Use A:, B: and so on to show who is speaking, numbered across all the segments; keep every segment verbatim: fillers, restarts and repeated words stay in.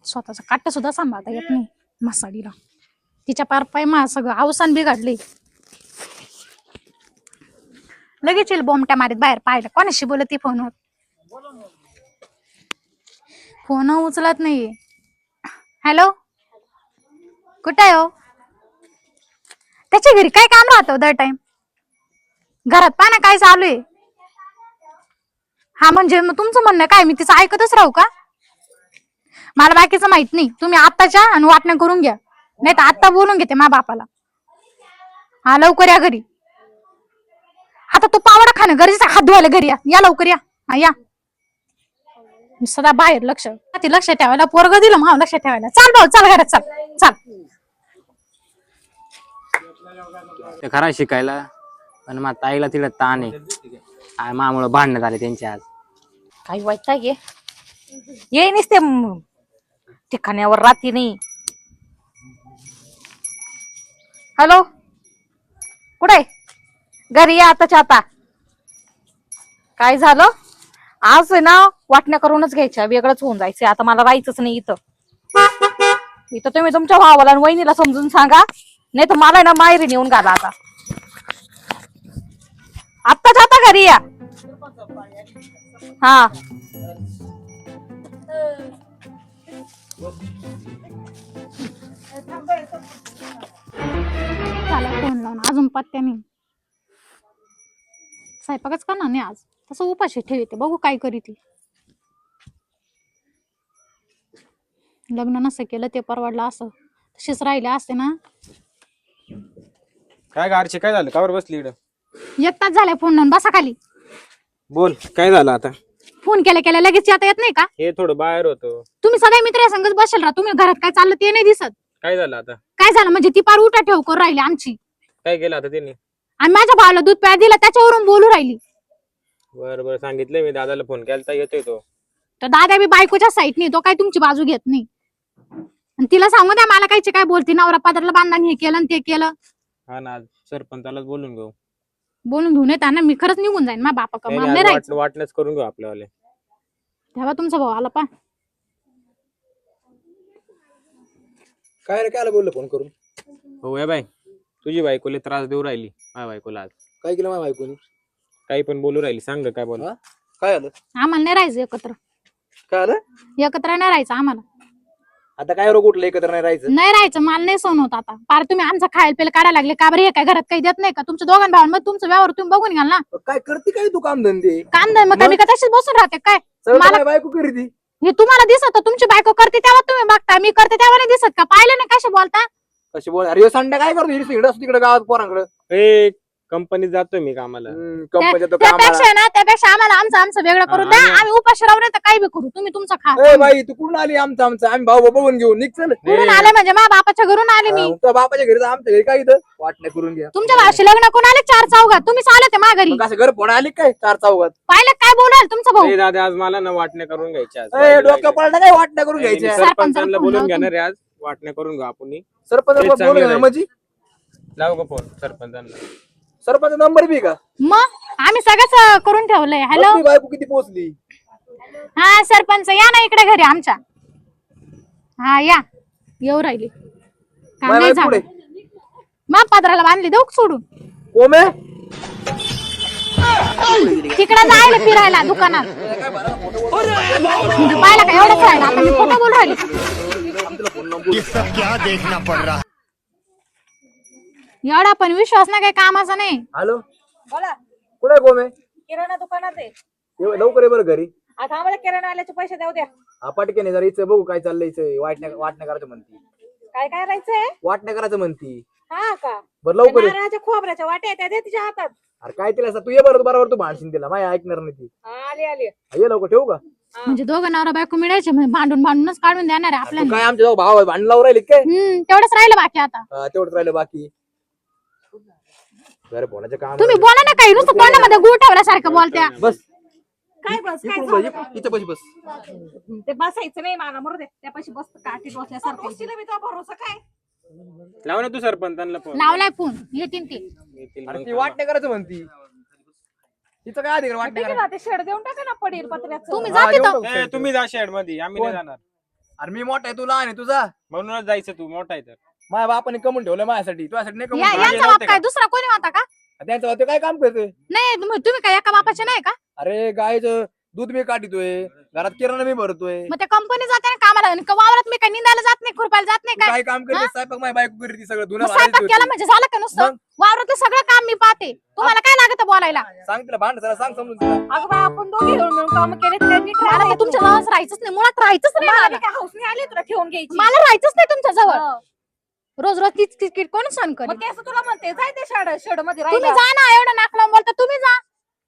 A: स्वतःचा काट सुद्धा सांभाळता येत नाही मासाडीला. तिच्या पार पाय मा सगळं अवसान बिघडले. लगेच येईल बोमट्या मारीत बाहेर. पाहिलं कोणाशी बोलत ती फोनवर. फोन उचलत नाहीये. हॅलो कुठे आहे हो? त्याच्या घरी काय काम राहतं दर टाइम? घरात पहा ना काय चालू आहे. हा म्हणजे मग तुमचं म्हणणं काय मी तिचं ऐकतच राहू का? मला बाकीचं माहित नाही. तुम्ही आत्ताच्या आणि वाटण्या करून घ्या, नाही तर आत्ता बोलून घेते मा बापाला. हा लवकर या घरी. आता तो पावडा खाणं गरजेचं. हात धुवायला घरी या. या लवकर या. हा या. सदा बाहेर लक्ष ती लक्ष ठेवायला पोरग दिलं मग लक्ष ठेवायला. चाल भाऊ चाल घरात चाल चाल.
B: ते खरा शिकायला पण मग ताईला तिला ताण आहे. मामुळं भांडणं झाले त्यांचे आज.
C: काही वाईट आहे ये नसते ठिकाण्यावर राहते नाही. हॅलो कुठे? घरी या आताच्या आता. काय झालं आज आहे ना? वाटण्या करूनच घ्यायच्या, वेगळंच होऊन जायचं. आता मला राहायचंच नाही इथं. इथं तुम्ही तुमच्या भावाला आणि वहिनीला समजून सांगा, नाही तर मला ना माहेरी नेऊन घाला. आता आत्ताच आता घरी या. हा
A: फोन लावून अजून पत्त्याने स्वयंपाकच करणार नाही आज. तसं उपाशी ठेवते. बघू काय करी ती. लग्न नसं केलं ते परवडलं असं. तशीच राहिले असते ना.
D: काय गारचे काय झालं? कावर बसली इकडं?
A: एक तास झालाय फोन लावून. बसा खाली.
D: बोल काय झालं आता?
A: फोन केल्या केल्या लगेच येता येत नाही का?
D: हे थोडं बाहेर होतो.
A: तुम्ही सगळे मित्र संगच बसेल राहा. तुम्ही घरात काय चाललं ते नाही दिसत.
D: काय झालं आता?
A: काय झालं म्हणजे ती पार उठा ठेव करून राहिली आमची.
D: काय केलं आता त्यांनी?
A: आणि माझ्या भावाला दूध प्यायला दिला त्याच्यावरून बोलू राहिली.
D: बरं बरं सांगितलंय मी दादाला. फोन केला येतोय तो.
A: तर दादा बी बायकोच्या साईडनी. तो काय तुमची बाजू घेत नाही. आणि तिला सांगू द्या मला कायचे काय बोलती. नवरा पादरला बांधून हे केलं ते केलं.
D: हा ना सरपंचालाच बोलून घेऊ.
A: बोलून घेऊन येता ना. मी खरंच निघून जाईन. मा बापा का मला नाही राहायचं.
D: वाटणंच करून घेऊ आपल्यावाले.
A: तेव्हा तुमचा भाऊ आला पा.
E: काय रे काय बोललो फोन करून?
D: हो या बाई तुझी बायकोला त्रास देऊ राहिली. माझ्या बायकोला आज
E: काय केलं माझ्या बायकोनी?
D: काही पण बोलू राहिली. सांग काय बोल.
E: काय आलं?
A: आम्हाला नाही राहायचं एकत्र.
E: काय आलं?
A: एकत्र नाही राहायचं आम्हाला.
E: आता काय रोग उठलं एकत्र नाही राहायचं?
A: नाही राहायचं. मला नाही सहन होत आता. पार तुम्ही आमचा खायला पेला काढायला लागले का बरं? हे काय घरात काही देत नाही का? तुमच्या दोघां भावांमध्ये तुमचं व्यवहार तुम्ही बघून घ्याल ना.
E: काय करते काय तू काम धंदे?
A: काम धंदे मग मी का तशीच बसून राहते काय?
E: मला बायको करते.
A: हे तुम्हाला दिसत. तुमची बायको करते तेव्हा तुम्ही बघता. मी करते तेव्हा नाही दिसत का? पाहिलं ना कसे बोलता.
E: कशी बोल? अरे संडे काय करतो? इकडे तिकडे गावात पोरांकडे.
D: ए कंपनीत जातोय मी कामाला.
E: कंपनीत
A: त्यापेक्षा ना त्यापेक्षा आम्हाला आमचं आमचं वेगळं करून द्या. आम्ही उपाशी राहू नाही तर काही बी करू. तुम्ही तुमचं खा.
E: ए बाई तू कुठून आली? आमचं आमचं आम्ही भाऊ भाऊ बघून घेऊ. निघ चल.
A: कुठून आले म्हणजे माझ्या बापाच्या घरून आले मी.
E: तुझ्या बापाच्या घरी आमच्या घरी काय इथं वाटण्या करून घ्या.
A: तुमच्या भावाशी लग्न कोण आले? चार चौघात. तुम्हीच आले ते माझ्या घरी.
E: कसं घर फोन आली काय चार चौघात?
A: पाहिलं काय बोलाल तुमचा भाऊ?
D: ए दादा आज मला ना वाटण्या करून घ्यायच्या आज.
E: ए डोकं पडलं काय वाटण्या करून घ्यायच्या?
D: सरपंचाला बोलून घेणार आहे आज. वाटण्या करून घेऊ आपण.
E: सरपंच बोलून म्हणजे
D: लाव का फोन सरपंचांना.
E: सरपंच नंबर बी का?
A: मग आम्ही सगळंच करून ठेवलंय. हॅलो
E: बायको किती पोहोचली?
A: हा सरपंच या ना इकडे घरी आमच्या. हा या येऊ राहिली. काम नाही झालं. मग पदराला बांधली देऊ सोडून.
E: कोमे
A: तिकडे जायला फिरायला दुकानात. पाहिला का एवढंच राहिलं. आता मी खोटं बोलू राहिली. एवढा पण विश्वास ना काही कामाचा नाही.
E: हॅलो
C: बोला.
E: कुठे कोमे?
C: किराणा दुकानात आहे.
E: लवकर ये बरं घरी.
C: आता आम्हाला किराणावाल्याचे पैसे द्याऊ द्या.
E: हा पटके जरा इथं बघू काय चाललंय. इथं वाटण्या वाटण्या करायचं म्हणती.
C: काय काय करायचंय?
E: वाटण्या करायचं म्हणती.
C: हा का?
E: बरं लवकर ये.
C: नारळाच्या खोबऱ्याच्या वाट्या त्या दे तिच्या हातात.
E: अरे काय तिला तू ये बरं बरोबर. तू भांडशील तिला. माय ऐकणार नाही ती.
C: आली आली.
E: ये लवकर ठेवू का?
A: म्हणजे दोघं नवरा बायको मिळायचे म्हणजे भांडून भांडूनच काढून देणार आहे आपल्याला.
E: काय आमच्या भाव भांडण लावून राहिले काय?
A: हम्म तेवढंच राहिलं बाकी आता.
E: तेवढंच राहिलं बाकी. बरं बोलायचं काम.
A: तुम्ही बोला ना काही. नुसतं तोंडामध्ये गुळ ठेवल्यासारखं बोलत्या.
E: बस
C: काय बस काय
E: इथं बस बस.
C: ते बसायचं नाही मला मरू दे. त्यापाशी बस काठी बसल्यासारखं. मी तो भरोसा काय?
D: लाव ना तू सरपंचांना फोन.
A: लावलाय फोन येतील ते.
E: अरे ती वाटण्या करायचं म्हणती. तिचं काय अधिकार वाटण्या करायचं?
C: ते शेड देऊन टाका ना पडेल पत्र्याचं.
A: तुम्ही जा तिथं.
D: ए, तुम्ही जा शेड मध्ये. आम्ही नाही जाणार.
E: अरे मी मोठा आहे तू लहान आहे तुझा.
D: म्हणूनच जायचं तू मोठा आहे तर.
E: माझ्या बापाने कमवून ठेवलं माझ्यासाठी, तुझ्यासाठी नाही
A: या-
E: कमवून
A: यांचा
E: ठेवलं.
A: बाप काय दुसरा कोणी होता का?
E: त्यांचं बाप ते काय काम करतोय?
A: नाही तुम्ही तुम्ही काय एका बापाचे नाही का?
E: अरे गायचं दूध मी काढतोय, घरात किराणा मी भरतोय.
A: मग त्या कंपनी जाते ना कामाला आणि का वावरात मी काय निंदायला जात नाही, खुरपायला जात नाही
E: तू
A: काय?
E: काय काम करते?
A: हा?
E: स्वयंपाक माझी बायको करते सगळं, धुणं
A: मग
E: भांडी
A: स्वयंपाक
E: धुते.
A: केला म्हणजे झालं का नुसतं?
E: मग?
A: वावरातलं सगळं काम मी पाहते, तुम्हाला काय लागतं बोलायला?
E: सांग तिला भांड जरा सांग समजून तिला.
C: अगं बाई आपण दोघे मिळून मिळून काम केले त्यांनी
A: मला तर तुमच्या जवळ राहायचंच नाही, मुळात राहायचंच नाही मला.
C: काय हौस नाही आली तुला ठेवून घ्यायची.
A: मला राहायचंच नाही तुमच्या जवळ.
C: हो.
A: रोज रोज तीच किटकिट कोण सहन
C: मग
A: करेल?
C: ते असं तुला म्हणते जाय ते शाड शेड मध्ये
A: तुम्ही
C: राहिला
A: जा ना, एवढं नाक लावून बोलता तुम्ही जा.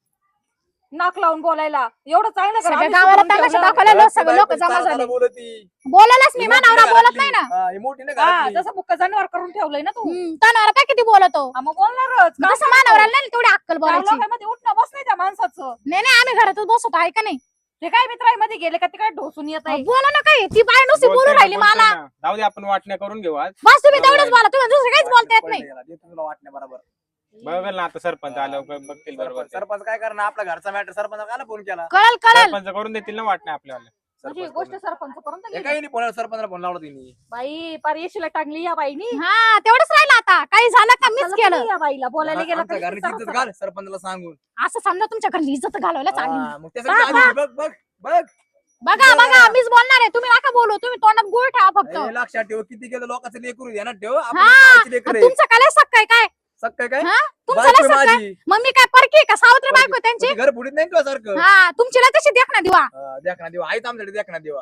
C: नाक लावून बोलायला एवढं चांगलं कर,
A: सगळ्या
C: आम्ही
A: गावाला
C: शिकवून
A: तमाशा
C: ठेवलं.
A: दाखवायला लोक सगळे लोक
E: बायको
A: जमा
E: सारं
A: झाले.
E: सारं बोलती.
A: बोलायलाच मी
E: ही मोठी
A: मानावरा
E: ना
A: बोलत
E: घरातली.
A: नाही ना.
E: हा, ही मोठी ना
C: हा,
E: घरातली.
C: जसं बुक्का जनावर करून ठेवलंय ना तू.
A: हम्म, तनावर काय किती बोलतो?
C: हा, मग बोलणारच.
A: मग तसं मानावराला नाही तेवढी अक्कल बोलायची.
C: लोकांमध्ये उठणं बस नाही त्या माणसाचं.
A: नाही नाही आम्ही घरातच बसतो आहे का नाही?
C: ते काय मित्रांमध्ये गेले का तिकडे ढोसून येत आहे.
A: बोला ना काय, ती बाय नुसती
D: बोलतोय
A: बोलून
D: ना,
A: राहिली
D: बोलतोय
A: मला.
D: ना. जाऊ दे आपण वाटण्या करून घेऊ आज.
A: बस तुम्ही
D: बरोबर
A: तेवढंच
D: आहे.
A: बोला, तुम्ही दुसरं काहीच बोलता येत नाही.
E: पडलं याला, ते तुला वाटण्या बरोबर.
D: बघेल ना आता सरपंच आल्यावर बघतील बरोबर
E: सरपंच सरपंच काय करणार, आपला घरचा मॅटर सरपंच काला फोन केला?
A: कळल कळल.
D: सरपंच करून देतील ना वाटण्या आपल्याला.
C: म्हणजे ही
E: सरपंच
C: गोष्ट
E: करून.
C: सरपंच करून तर
E: हे
C: गेली.
E: काही नाही फोन, सरपंचाला फोन लावला तिने.
C: बाई पार येशीला टाकली या बाईनी.
A: हा तेवढंच राहिलं आता, काही झालं का मीच
C: झालं
A: केलं.
C: तरी या बाईला बोलायला गेला
E: आमच्या
C: का
E: घरची इज्जत घाल सरपंचाला सांगून.
A: असं समजा तुमच्या घरी इज्जत घालवायला चालली.
E: हा, मग त्यासाठी आली. बघ बघ बघ.
A: बघा बघा मीच बोलणार आहे, तुम्ही नका बोलू, तुम्ही तोंडात गुळ ठेवा फक्त.
E: हे लक्षात ठेव, किती केलं लोकांचं लेकरू ध्यानात ठेव. आपण
A: हा,
E: कायची लेकरं आहे.
A: तुमचं काय सक काय काय
E: सक्क काय?
A: हा? तुमचं
E: बायको
A: लय
E: आहे
A: सक काय?
E: माझी.
A: मग मी काय परकी आहे का सावत्र बायको त्यांची?
E: घर फुडीत नाही तुझ्या सारखं.
A: हा तुमची लय तशी देख ना दिवा.
E: देखना देवा आहेत आमच्याकडे, देखना देवा.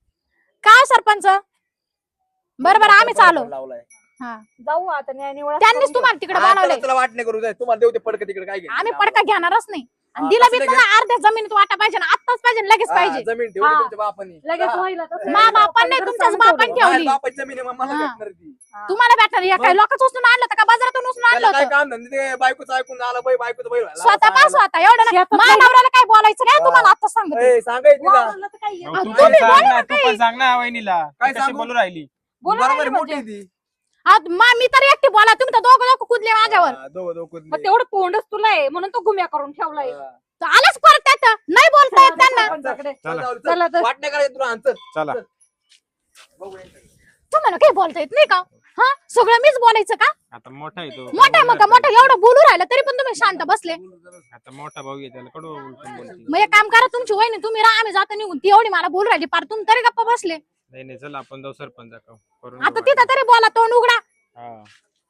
A: काय सरपंच बरं बरं आम्ही चालू.
E: फोन लावलाय.
A: हा
C: जाऊ आता न्याय निवडा
A: त्यांनीच तुम्हाला तिकडे
E: हा,
A: बोलावले.
E: चला, चला वाट नाही करू जाय, तुम्हाला देऊ ते पडकं तिकडे काय घ्यायचं?
A: आम्ही पडका घेणारच नाही. आणि
E: हा,
A: दिला बी
E: कसं
A: तुम्हाला अर्ध्या जमिनीत वाटा पाहिजे ना, आत्ताच पाहिजे ना, लगेच
E: हा,
A: पाहिजे.
E: जमीन ठेवली
C: हा.
E: तुमच्या बापानी.
C: लगेच
E: हा.
C: व्हायला तसं.
A: मा बापांनी
C: लोकांकडे
A: तुमच्याच
C: सांगून
A: बापांनी
C: ठेवलं.
A: ठेवली.
E: माझ्या बापाची जमीन आहे, मग मला
A: हा.
E: भेटणार ती.
A: तुम्हाला भेटणार या
E: मग?
A: काय लोकच उचलून आणलं होतं का बाजारातून उचलून आणलं
E: त्याला काय
A: होतं?
E: काम धंदे, ते बायकोचं ऐकून झालं, बाई बायकोचं बैल व्हायला.
A: स्वतः पास
E: सांगायला.
A: स्वतः एवढं ना
C: शेतात
A: मा
C: नाही.
A: नवऱ्याला काय बोलायचं नाही
E: हा.
A: तुम्हाला आता सांगते.
E: ए, सांगाय तिला.
C: वावरलं तर काय
D: मग
C: आहे?
D: तू
A: तुम्ही
D: पण सांग
A: बोला
D: ना,
A: ना
D: तू
A: काही.
D: पण सांग ना वहिनीला.
E: काय
D: ती कशी
E: सांगू?
D: बोलू राहिली.
C: बोला
E: बरोबर
C: राहिली
E: आहे, मोठी
C: म्हणजे.
E: आहे ती.
A: आज मा- मी तर एकटी बोला, तुम्ही तर दोघं दोघं कुदले माझ्यावर.
E: हा, दोघं दोघं कुदले.
C: मग तेवढं तोंडच तुला आहे म्हणून तो गुम्या करून ठेवलाय.
E: हा.
A: तर आलाच परत त्यात नाही बोलता येत त्यांना.
C: सरपंचाकडे.
D: चला.
E: चल, चल,
C: चला तर.
E: वाट नाही करायची तुला, आण, चल.
D: चला
E: बघूया.
A: तुम्हाला काही बोलता येत नाही का? हा सगळं मीच बोलायचं का?
D: आता मोठा आहे तो.
A: मोठा आहे मग का मोठा एवढं बोलू राहिलं तरी पण तुम्ही शांत बसले.
D: आता मोठा भाऊ आहे त्याला कडू उलटून बोलती.
A: मग एक काम करा, तुमची वहिनी तुम्ही राहा, आम्ही जातो निघून. ती एवढी मला बोलू राहिली पार, तुम्ही तरी गप्पा बसले.
D: नाही नाही चल आपण जाऊ सरपंच करून
A: आता
D: घेऊ
A: तिथं तरी बोला, तोंड उघडा.
D: हा.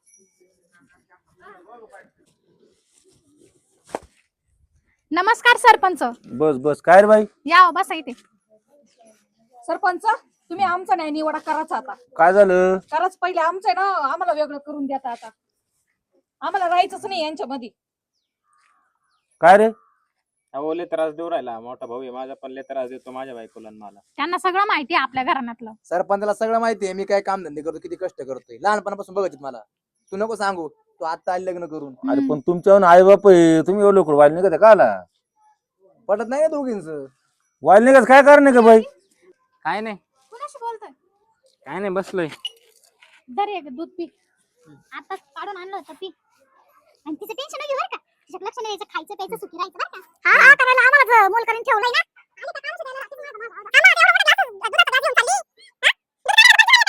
A: नमस्कार सरपंच.
F: बस बस काय रे बाई,
A: या बसा इथे.
C: सरपंच तुम्ही आमचा न्याय निवडा करायचा आता.
F: काय झालं?
C: कराच पहिले आमचं आहे ना, आम्हाला वेगळं करून द्या आता. आम्हाला राहायचंच नाही यांच्यामध्ये.
F: काय रे?
D: अहो लय त्रास देऊ राहिला, मोठा भाऊ आहे माझा पण लय त्रास देतो माझ्या बायकोला आणि मला.
A: त्यांना सगळं माहिती आहे आपल्या घराण्यातलं.
E: सरपंचाला सगळं माहितीये मी काय काम धंदे करतो, किती कष्ट करतोय, लहानपणापासून बघत मला. तू नको सांगू, तू आता आली लग्न करून.
F: अरे पण तुमच्यावर आई बाप आहे, तुम्ही एवढं लवकर वाईल निघत का आला?
E: पटत नाही ना दोघींच.
F: वाईल निघत काय कारण का बाई?
B: काय नाही
A: कुणाशी बोलतोय?
B: काय नाही बसलोय.
A: दर एक दूध पी. आता काढून आणलं होतं पी.
G: आणि तिचं टेन्शन नाही घेऊ बरं का. तिच्यात लक्ष नाही द्यायचं, खायचं प्यायचं सुखी राहायचं बरं का. हा हा करायला आम्हाला मोल करून ठेवलंय ना. आणि त्या कामाचं द्यायला लागतं तुम्हाला. आम्हाला एवढं मोठं ग्लास दुधाचा ग्लास घेऊन चालली. हा?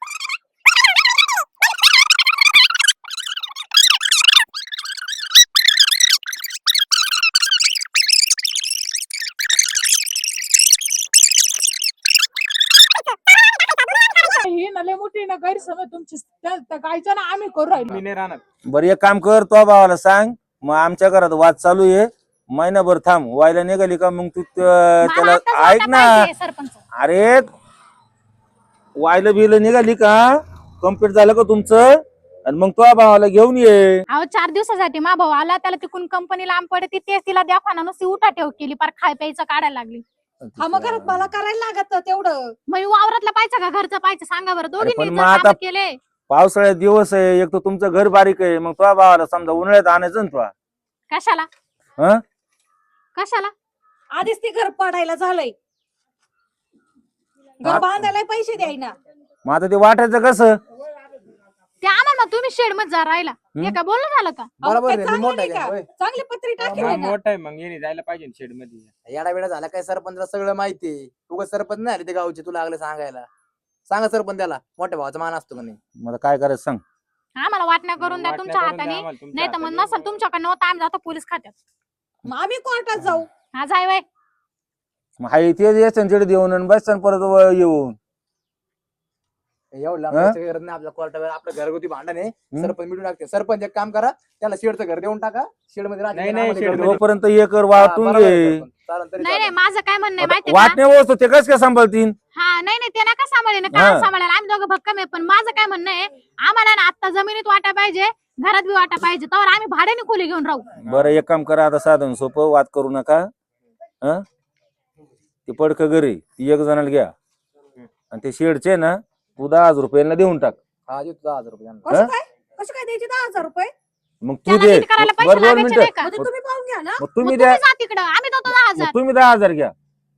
C: ही नले मोठी ना गैरसमज तुमची गायचं ना आम्ही करू राहिलो.
D: मी नाही राहणार.
F: बरं एक काम कर, तो भावाला सांग, मग आमच्या घरात वाद चालू आहे, महिनाभर थांब. वायला निघाली का मग तू त्या-
A: मला
F: त्याला
A: आत्ताच
F: ऐक
A: वाटा
F: ना.
A: पाहिजे, सरपंच.
F: अरे वायला बिल निघाली का, कम्प्लीट झालं का तुमचं, आणि मग तो भावाला घेऊन ये.
A: अहो चार दिवसासाठी मा भाऊ आला, त्याला तिकून कंपनी लांब पडते, तेच तिला द्या नुसती उठा ठेव केली, पार खाय प्यायचं काढायला लागली.
C: हा मग घरात मला करायला लागत तेवढं.
A: मग वावरातला पाहिजे का घरचं पाहिजे सांगा बरं.
F: पण
A: दोघींनी
F: मग
A: जर कामं
F: आता-
A: केले.
F: पावसाळ्यात दिवस आहे, एक तर तुमचं घर बारीक आहे, मग तो भावाला समजा उन्हाळ्यात आणायचं ना तुला.
A: कशाला
F: हं?
A: कशाला
C: आधीच ती घर पडायला झालंय, घर
F: हा.
C: बांधायला पैसे द्यायना.
F: मग आता ते वाटायचं कसं?
A: ते आम्हाला तुम्ही शेड मध्ये जा राहिला. हे काय बोलणं झालं का?
C: अहो,
E: बरोबर
C: काय
E: आहे, मी
C: चांगलं
E: मोठा
C: नाही
E: आहे
C: का?
E: का? होय.
C: चांगली पत्री टाकेल
D: मग
C: ना.
D: मोठा आहे मग येणे जायला पाहिजे शेड मध्ये.
E: येडा वेळा झाला काय, सरपंचाला सगळं माहितीये. तू सरपंच नाही आले ते गावचे, तुला लागलं सांगायला. सांगा सरपंच त्याला मोठ्या भावाचा मान असतो का नाही.
F: मला काय करायचं सांग.
A: आम्हाला वाटण्या करून द्या
D: वाटण्या
A: तुमच्या
D: करून द्या
A: हाताने,
D: आम्हाला तुमच्या
A: नाही तर मग
D: हाताने.
A: नसेल तुमच्याकडनं होता आम्ही जातो पोलीस खात्यात.
C: मग आम्ही कोर्टात जाऊ.
A: हा जाय बाय.
F: मग हाय ते यायचं तिकडे देऊन आणि बस परत व- येऊन
E: एवढं लांब
F: हा?
E: जायचं गरज नाही आपल्या कोर्टावर. आपलं घरगुती भांडण आहे. सरपंच मिटून टाकते. सरपंच एक काम करा, त्याला शेडचं घर देऊन टाका. शेड मध्ये राहते,
D: नाही,
E: आम्हाला
D: नाही,
E: घर
D: शेड
E: देऊन
F: तोपर्यंत एकर
E: टाका.
F: वाटून
E: हा, बरोबर आहे
F: घे.
E: सरपंच. चालेल तरी
A: नाही नाही
E: चालेल.
A: माझं काय म्हणणं आहे माहिती का?
F: वाटण्या वस्तू ते कस काय सांभाळतील.
A: हा नाही नाही ते नका सांभाळे ना,
F: हा.
A: काय सांभाळायला आम्ही दोघं भक्कम आहे. पण माझं काय म्हणणं आहे, आम्हाला ना आता जमिनीत वाटा पाहिजे, घरात बी वाटा पाहिजे, तर आम्ही भाड्याने खोली घेऊन राहू.
F: बरं एक काम करा आता, साधन सोपं वाद करू नका. हं ते पडक घरी ती एक जणाला घ्या आणि ते शेडचे ना तू दहा हजार रुपयांना देऊन टाक.
E: हा देतो दहा हजार रुपये त्यांना.
C: कसं
F: हा?
C: काय कसं काय द्यायचे दहा हजार रुपये?
F: मग तू
A: त्याला
F: दे.
A: नीट करायला पैसे
F: बरं दोन
A: लागायचे
F: मिनिटं
A: नाही का?
C: मग ते तुम्ही पाहून घ्या ना.
F: मग
A: मग
F: तुम्ही
A: तुम्ही
F: द्या.
A: जा तिकडं, आम्ही देतो दहा हजार.
F: मग तुम्ही दहा हजार घ्या.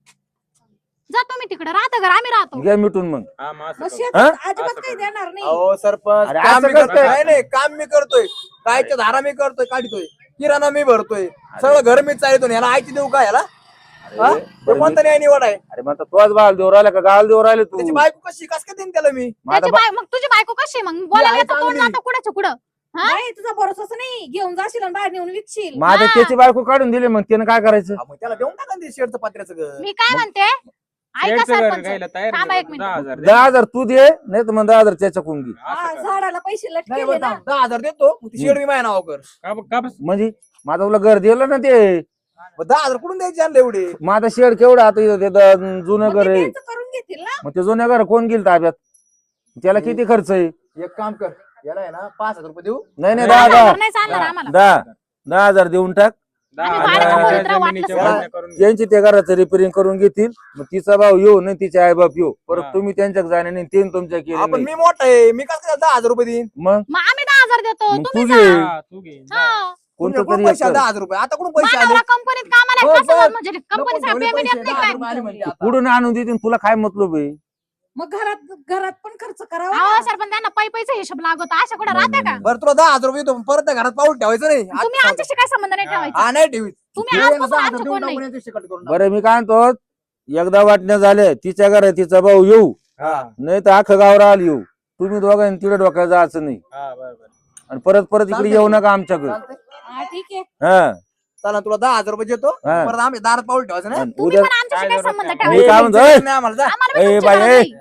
A: जा तुम्ही तिकडं, राहतं घर आम्ही राहतो.
F: घ्या मिटून मग.
D: हा, मग असं
C: मग
D: करू.
C: शेतात
F: हा?
C: अजिबात
D: असं
C: काही
D: करू.
C: देणार नाही.
E: अहो सरपंच
F: अरे
E: काम
F: असं
E: मी
F: कसं
E: करतोय.
F: काय?
E: नाही नाही काम मी करतोय. कायच्या धारा मी करतोय, काढतोय, किराणा मी भरतोय, सगळं घर मी चालतो. याला आयची देऊ का याला? हा? तो कोणता न्याय निवड आहे?
F: अरे मग तोच बाल देऊ राहिला का गाल देऊ राहिले तू.
E: त्याची बायको कशी कस काय देईन त्याला मी?
F: मग आता
A: त्याची
F: बा-
A: बाय मग तुझी बायको कशी आहे? मग बोलायला
E: आहे
A: येतं तोंड
E: चांगली.
A: जातं कुडाच्या कुडं. हा?
C: नाही तुझा भरोसाच नाही. घेऊन जाशील आणि बाहेर नेऊन विकशील.
F: मग आता
A: हा.
F: त्याची बायको काढून दिली मग त्यानं काय करायचं.
E: हा, मग त्याला देऊन टाका ना ते शेडचं पत्र्याचं घर.
A: मी काय म्हणते, ऐका
D: शेडचं घर
A: सरपंच,
D: घ्यायला तयार
A: थांबा
D: आहे
A: एक
D: का?
A: मिनिट.
D: दहा हजार दे.
F: दहा हजार तू दे नाही तर मग दहा हजार त्याच्या कोण घे.
C: हा,
D: असं करू.
C: झाडाला पैसे
E: नाही
C: लटकेले
E: बरं,
C: ना.
E: दहा दहा हजार देतो, मग ती शेड मी माझ्या नावावर कर.
D: का ब- का बस?
F: म्हणजे माझं तुला घर दिलं ना ते.
E: मग दहा हजार कुठून द्यायचे आणले एवढे?
F: माझं शेड केवढं आता इथं ते द- जुनं
C: मग
F: घर
C: ते
F: आहे.
C: त्यांचं करून घेतील ना.
F: मग ते जुन्या घर कोण गेल ताब्यात. त्याला किती खर्च आहे.
E: एक काम कर, याला आहे ना पाच हजार रुपये देऊ.
F: नाही नाही
D: दहा
F: दहा
A: दहा
F: दहा
A: हजार नाही चालणार आम्हाला.
F: दहा दहा हजार देऊन टाक.
D: दहा
A: आम्ही
D: हजार
A: भाड्याचं
F: खोलीत
D: जमिनीच्या
A: राहू, वाटलं
D: वाटण्या करून घे.
F: त्यांची त्या घराचं रिपेरिंग करून घेतील. मग तिचा भाऊ येऊ नाही तिचे आई बाप येऊ परत
D: हा.
F: तुम्ही त्यांच्या जाणे नाही ते तुमच्या
E: आपण
F: केले
E: मी मोठा आहे, मी कसं काय दहा हजार रुपये देईन?
F: मग
A: मग आम्ही दहा हजार देतो,
F: मग
A: तुम्ही
F: तू
A: जा.
F: घे.
D: हा, तू घे जा.
A: हा.
F: कोणतं
E: तुमच्या
F: तरी
E: कुठून पैसे
F: एक
E: आले?
F: कर.
E: दहा हजार रुपये आता कुठून पैसे आले?
A: मानावरा कंपनीत कामाला
E: बस,
A: आहे, कसं
E: बस.
A: म्हणजे
E: नको
A: कंपनीचा
E: ठेवले
A: पेमेंट
E: पैसे,
A: येत नाही
E: दहा
A: काय?
E: रुपये आले म्हणते आता.
F: कुठून आणून देतील तुला काय मतलब आहे.
C: मग घरात घरात पण खर्च करावा
A: अहो
C: ना.
A: सर पण त्यांना पै पैसे हिशोब लागतो, अशा कुठं
F: नाही,
A: राहते
F: नाही,
A: का?
E: बरं तुला दहा हजार रुपये देतो, परत त्या घरात पाऊल ठेवायचं नाही. आज
A: तुम्ही आमच्याशी काय संबंध नाही ठेवायचा.
E: हा नाही ठेवीत.
A: तुम्ही
E: हे
A: आजपासून
E: दहा हजार
A: आमचं
E: देऊन
A: कोण नाही.
E: टाकून याची शिकट करून टाकू.
F: बरं मी काय म्हणतो एकदा वाटण्या झाल्या तिच्या घरात तिचा भाऊ येऊ
E: हा.
F: नाही तर अख्खं गाव राहिलं येऊ. तुम्ही दोघांनी तिकडे डोक्यात जायचं नाही
D: हा, बरं, बरं.
F: आणि परत परत इकडे
E: चालतंय.
F: येऊ नका आमच्याकडे.
E: चालतंय?
C: हा ठीक आहे.
F: हा
E: चला तुला दहा हजार रुपये देतो,
F: हा.
E: परत आम्ही दारात पाऊल ठेवायचं नाही.
F: आणि
A: तुम्ही
F: उद्या
A: पण आमच्याशी काय संबंध
D: मी
F: मी
A: ठेवायचा.
F: काय म्हणतो ए,
E: नाही आम्हाला जा.
A: आम्हाला बी
F: ए
A: तुमची
F: बाई
A: गरज
F: ए
A: नाही.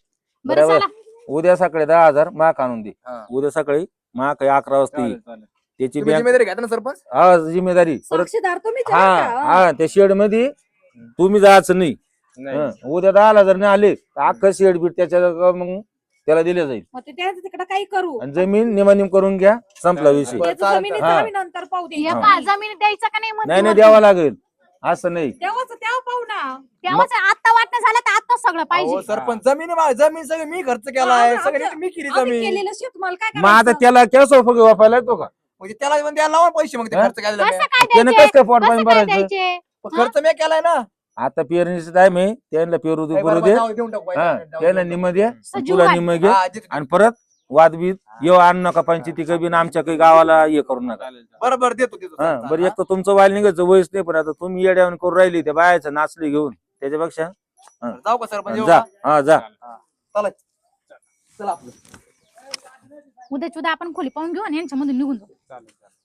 A: बरं
F: बरोबर.
A: चला.
F: उद्या सकाळी दहा हजार माक आणून दे.
E: हा.
F: उद्या सकाळी माक अकरा वाजता येईल.
D: चालेल, चालेल.
F: त्याची
E: तुम्ही
F: बँक
E: जिम्मेदारी घ्या ना सरपंच.
F: हा जिम्मेदारी परत.
C: साक्षीदार तुम्ही
F: हा हा त्या शेड मध्ये तुम्ही जायचं नाही.
D: नाही.
F: हं. उद्या दहा हजार नाही आले तर अख्खं शेड बीट त्याच्या मग त्याला दिले जाईल.
C: मग ते त्याचं तिकडे काही करू.
F: आणि जमीन निमानिम करून घ्या संपला विषय.
E: बरं,
C: त्याचं
E: चालतं.
C: जमिनीचं
F: हा.
C: आम्ही नंतर पाहू
A: हे
C: दे.
A: पहा, जमीन द्यायचं का नाही म्हणते
F: नाही नाही
A: वरती.
F: द्यावा लागेल असं नाही.
C: तेव्हाच तेव्हा पाहू ना.
A: तेव्हाच आता वाटणं झालं तर आता सगळं
E: अहो,
A: पाहिजे.
E: सरपंच जमीन आहे, जमीन सगळी मी खर्च केलाय,
C: आम्ही-
E: सगळी
C: आमचं-
E: मी केली
C: आम्ही
E: जमीन.
C: केलेलं शेतमाल काय
F: मग आता
C: करायचं?
F: त्याला केस फगे वापरायला येतो का.
E: म्हणजे त्याला पण द्यायला लावा पैसे मग ते
F: हा?
E: खर्च केलेला
A: कसं
E: मी.
A: काय
F: त्यानं
A: द्यायचे?
F: कसं काय पोट
A: कसं
F: पाणी
A: काय
F: भरायचं.
A: द्यायचे?
E: पण खर्च मी केलाय ना.
F: आता पेरणीचा टाइम आहे त्यांना पेरू दे
E: काही
F: करू
E: बरं
F: दे.
E: जाऊ देऊन टाकू,
F: हा
E: जाऊ
F: त्याला
E: देऊन
F: निम दे
A: सजीव
F: तुला
A: वाट.
F: निम
E: टाकू.
F: घे
E: हा, देतो.
F: आणि परत वादबीत येऊ आणू नका पंचायती कबीन आमच्या काही गावाला हे करू नका.
D: चालेल, चालेल.
E: बरं बरं देतो देतो
F: हा
E: चालतं.
F: बरं एक तर तुमचं वाईल निघायचं वयस नाही पण आता तुम्ही येड्यावर करून राहिली त्या बायाचं नाचली घेऊन त्याच्यापेक्षा
E: हा. जाऊ का सरपंच येऊ
F: जा
E: का?
F: हा जा.
E: चला चला आपलं.
A: उद्याच उद्या आपण खोली पाहून घेऊ आणि यांच्यामधून निघून जाऊ.
D: चालेल, चालेल.